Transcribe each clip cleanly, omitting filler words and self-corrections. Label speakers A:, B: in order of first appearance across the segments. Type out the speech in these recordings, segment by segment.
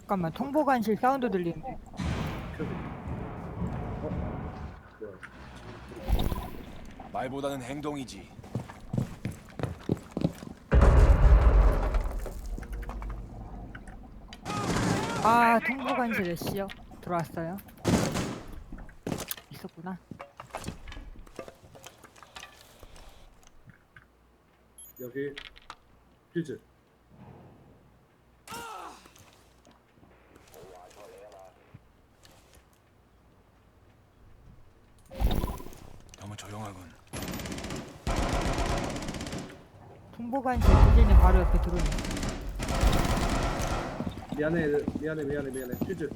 A: 잠깐만, 통보관실 사운드 들리는데.
B: 말보다는 행동이지.
A: 아, 통보관실에 씨요. 들어왔어요. 있었구나.
C: 여기 퓨즈.
B: 너무 조용하군.
A: 통보관실 부진이 바로 옆에 들어오네.
C: 미안해 퓨즈.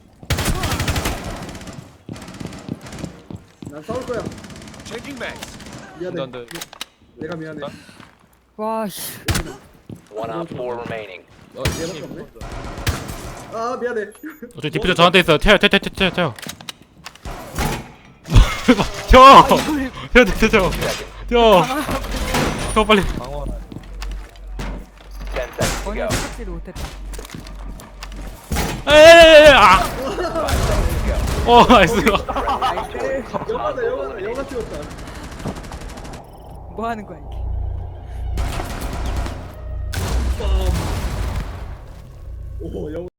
C: 난 싸울 거야.
B: 체킹 맥스.
C: 미안해.
D: 안 돼.
C: 내가 미안해.
A: 와, 씨.
E: One op 4 remaining.
C: 얘밖에 없네. 아 미안해.
F: 어차피 디퓨저 저한테 있어. 태워. 저 빨리.
E: Ten
D: 방어.
E: seconds to
A: 전혀
E: go.
A: 생각지도 못했다.
F: 에에에에 아. 나이스.
C: 영화 찍었다.
A: 뭐 하는 거야, 이게.
C: 오 영화.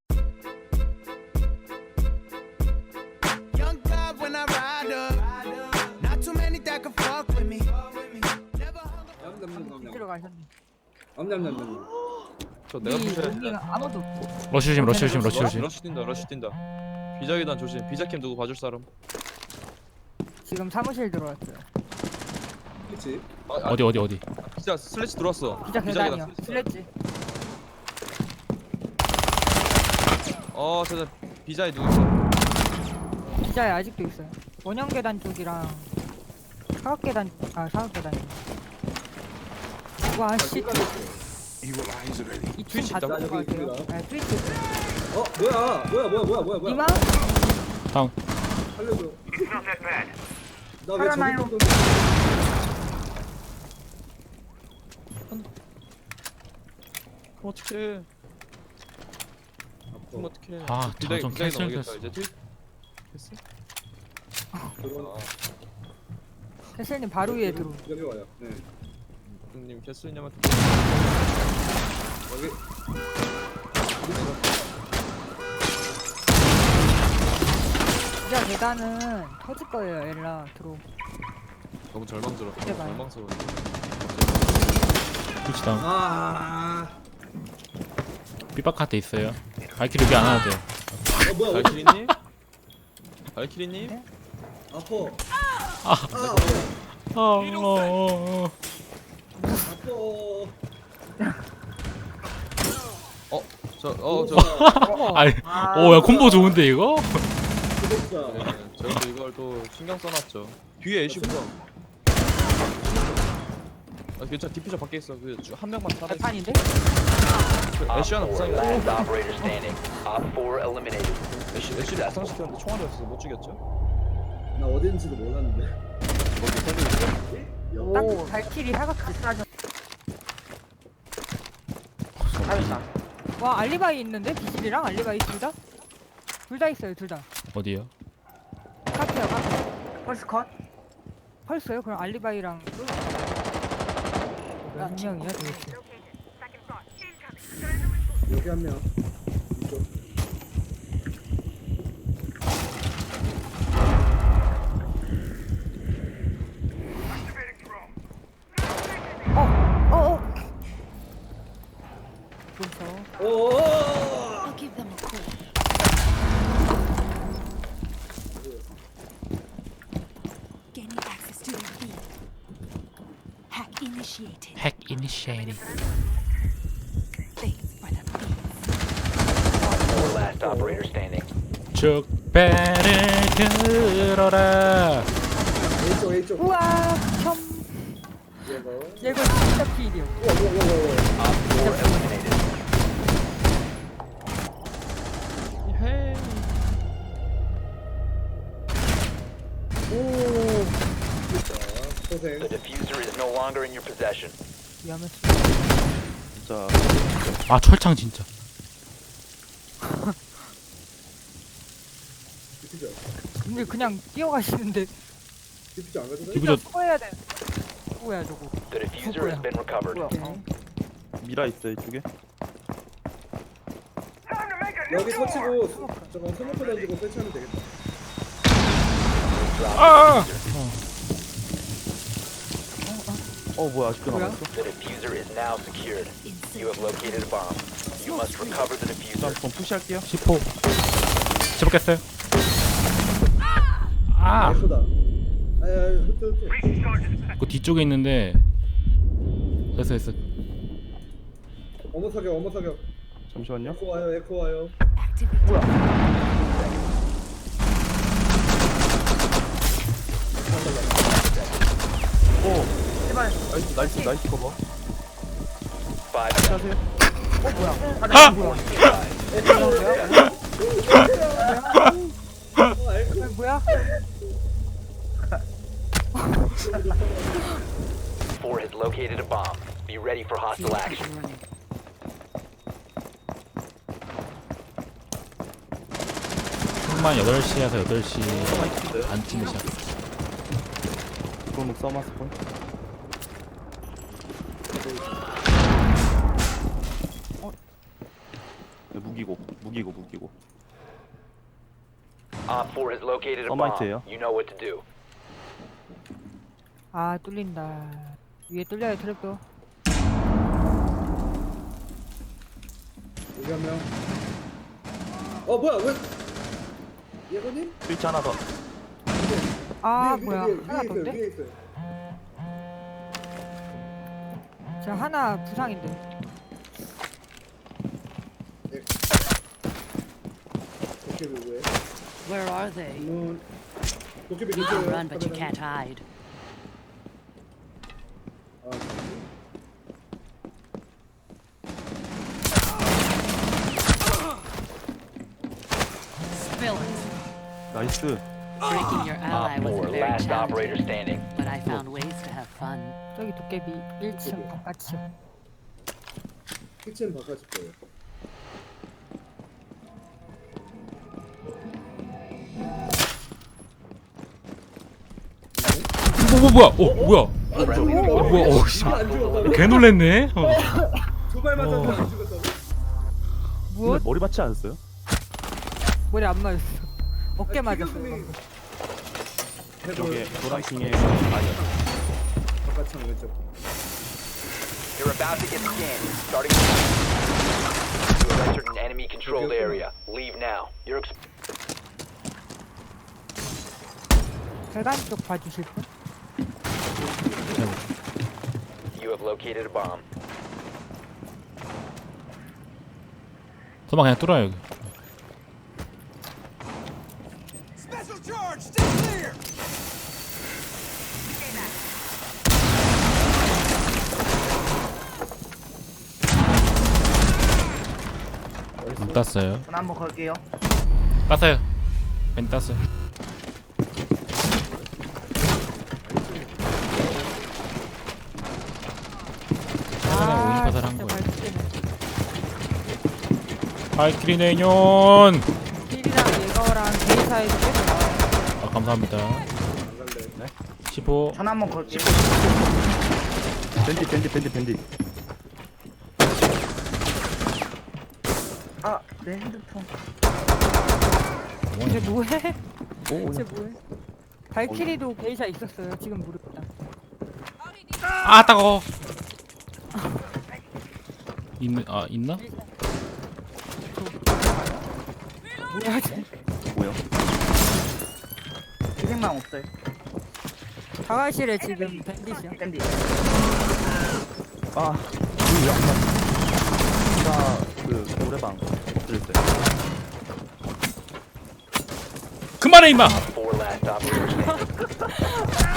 G: Young God when I ride up. Not too many that can fuck with me. Never hung
A: 들어가셨네.
C: 냠냠냠냠.
D: 저 내가 부셔야
A: 여기
D: 돼.
A: 아무도 없고.
F: 러쉬 조심.
D: 러쉬 뛴다. 비자계단 조심. 비자캠 누구 봐줄 사람?
A: 지금 사무실 들어왔어요.
C: 그렇지.
F: 어디.
D: 비자 슬래치 들어왔어.
A: 진짜 계단이요.
D: 비자계단
A: 슬래지.
D: 저 비자에 누구 있어?
A: 기자에 아직도 있어요. 원형 계단 쪽이랑 사각 계단, 사각 계단. 와, 씨. 이
D: 트위치
A: 팀 다
D: 있다고?
A: 들어갈 것 같아요. 네, 트위치 있어요.
C: 뭐야.
A: 니마?
F: 다운.
C: 살려줘. 나왜
A: 살아나요.
C: 저기
D: 어떡해. 그럼 어떡해.
F: 아,
D: 비자계
F: 좀
D: 비자계
F: 캔슬
D: 넘어겠다
F: 됐어.
D: 이제 트윗. 됐어?
A: 캐슬님 바로 위에 들어.
C: 여기 와요. 네.
D: 형님 캐슬님한테
C: 여기.
A: 기자 계단은 터질 거예요, 엘라 들어.
D: 너무 절망스러워.
A: 이제 봐요.
D: 절망스러워.
F: 그렇지 다운. 삐박한테 있어요. 발키리 여기 안 와도 돼.
C: 뭐야?
D: 발키리님? 발키리님?
A: 네?
C: 아파.
F: 아. 어.
C: 아파.
F: 아니, 야 콤보 좋은데 이거?
C: 구독자.
D: 네, 저희도 이걸 또 신경 써놨죠. 뒤에 애쉬부터. 괜찮아. 디퓨저 밖에 있어. 한 명만 살아.
A: 발판인데?
E: Op
D: 애쉬 하나
E: 4
D: 부상이다.
E: last operator standing. Op 4 eliminated.
D: 애쉬를
E: Successful.
D: 부상시켰는데 총알이 없어서 못 죽였죠.
C: 나 어딘지도 몰랐는데.
A: 딱 발키리 사각지 싸져. 와, 알리바이 있는데? 비실이랑 알리바이 둘 다? 둘 다 있어요, 둘 다.
F: 어디요?
A: 카페요, 카페. 펄스 컷? 펄스요? 그럼 알리바이랑 몇 명이야 도대체?
C: 여기 한 명. 이쪽.
A: 그래서
C: 오.
H: I'll give them a call. Gaining access to their feed. Hack initiated.
F: 핵 이니시에이팅.
H: Thanks for the feed.
E: 4 last operator standing.
F: 축배를 들어라.
C: A쪽.
A: 우와, 첨.
C: 얘거.
A: 얘가 진짜 필이요.
E: Op 4 eliminated.
D: 헤이.
C: 고생.
E: The diffuser is no longer in your possession.
A: 위험했어.
D: 진짜
F: 아 철창 진짜.
C: 디퓨저.
A: 근데 그냥 뛰어가시는데
C: 디퓨저 안 가도 돼?
F: 디퓨저
A: 수거해야 돼. 수거야 저거.
E: The diffuser has been recovered.
A: 오케이.
D: 미라 있어 이쪽에.
C: 여기 터치고 저거 스모크 던지고 설치하면 되겠다.
F: 아!
D: 뭐야 아직도
A: 뭐야?
D: 남았어?
E: The diffuser is now secured. You have located a bomb. You must recover the diffuser.
D: 한번 푸시할게요.
F: 10호 10호 깼어요. 아!
C: 예쁘다. 아야 흩.
F: 그 뒤쪽에 있는데 됐어 됐어.
C: 어머 사격 어머 사격.
D: 잠시만요.
C: 에코 와요 에코 와요.
H: Activate.
D: 나이스 커버.
E: 5 seconds.
F: 아!
A: 뭐야?
E: 4 has located a bomb. Be ready for hostile action.
F: 한만 8시에서 8시 반쯤에 시작.
D: 골목 써마스 폰. 무기고.
E: Op 4 has located a bomb.
D: 서마이트예요.
E: You know what to do.
A: 아 뚫린다. 위에 뚫려요 트랩도.
C: 여기 한 명. 뭐야 왜? 예건님?
D: 스위치 하나 더.
A: 아
C: 위에,
A: 뭐야
C: 위에,
A: 하나
C: 위에 있어요
A: 더인데?
C: 위에 있어요.
A: 저 하나 부상인데.
C: 도깨비 왜?
H: Where are they?
C: 도깨비
H: You can
C: 근처에요.
H: run, but you can't hide.
C: 아,
H: Spill it.
D: 나이스.
H: Breaking your ally
E: Op 4,
H: was very
E: last operator
H: challenging,
E: standing.
H: but I found ways to have fun.
A: 저기 도깨비 1층 바깥이요.
C: 키친 바꿔줄 거예요.
F: 뭐야? 뭐야?
E: Friendly
F: 뭐야? 씨.
C: 안 죽었다고?
F: 개 놀랬네.
C: 두발 맞았는데 안 죽었다고?
A: 무엇?
D: 머리 맞지 않았어요?
A: 머리 안 맞았어. 어깨 맞았어.
C: 키가슴이
D: 저게 노란핑에
C: 바깥창 왼쪽.
E: You're about to get scanned. Starting. You have entered an enemy controlled area. Leave now. You're
A: 배관 쪽 봐주실 분?
E: You have located a bomb.
F: 도망 그냥 뚫어요 여기.
B: Special charge, stay clear.
F: 문 땄어요.
I: 전 한번 걸게요.
F: 땄어요. 벤 땄어요. 그냥 5인파살 한
A: 진짜
F: 거예요.
A: 발키리네.
F: 발키리 내년.
A: 힐이랑 예거랑 게이사에서 계속 나와요.
F: 아 감사합니다.
C: 안 갈래.
F: 15.
I: 전 한번 걸게요.
D: 밴디.
I: 아, 내 핸드폰.
A: 이제 뭐해?
D: 오,
A: 이제 뭐해? 발키리도 게이사 있었어요. 지금 모르겠다.
F: 아 따가워. 있나?
A: 뭐야 쟤?
D: 뭐야?
I: 희생만 없어요.
A: 자활실에 지금 밴디시야.
I: 밴디.
D: 아, 왜안 맞지? 그 노래방 엎드렸어요.
F: 그만해 임마.
E: 4 last operator standing.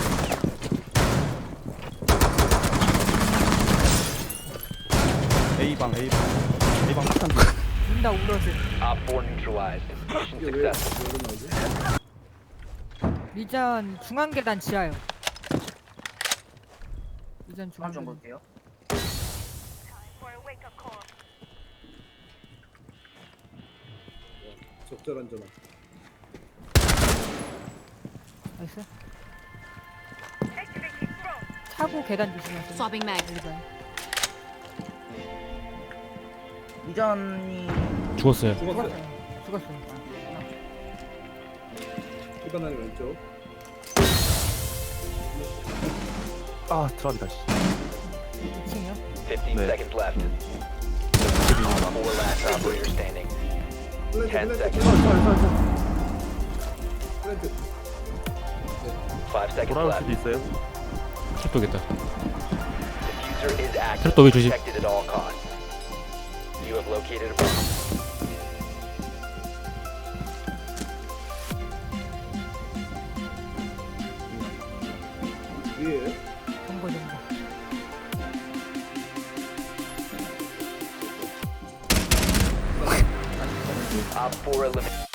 D: A방 폭탄.
A: 눈다 울어서.
E: Op 4 neutralized. Mission
C: 이게 왜
E: successful.
C: 여기 나오지?
A: 미전 중앙 계단 지하요. 미전 중앙
I: 좀
A: 계단.
I: 볼게요.
C: 적절한 전화.
A: 나이스. 차고 계단 조심하세요.
H: Swapping mag.
A: 일반.
I: 이전이
F: 죽었어요.
C: 죽었어요.
A: 죽었어요.
C: 이번 라인 왼쪽.
J: 아 드랍이다 씨.
A: 2층이요?
E: 15
J: 네.
E: seconds left. 4 last operator standing. 10 seconds.
C: 플랜트.
E: 5 seconds
J: 돌아올
E: left.
J: 수도 있어요.
F: 트랩도겠다.
E: Diffuser is active.
F: 트랩도 왜 조심?
E: Protected at all costs. You have located a bomb.
C: 위에.
A: 정보 정보.
E: Op 4 eliminated.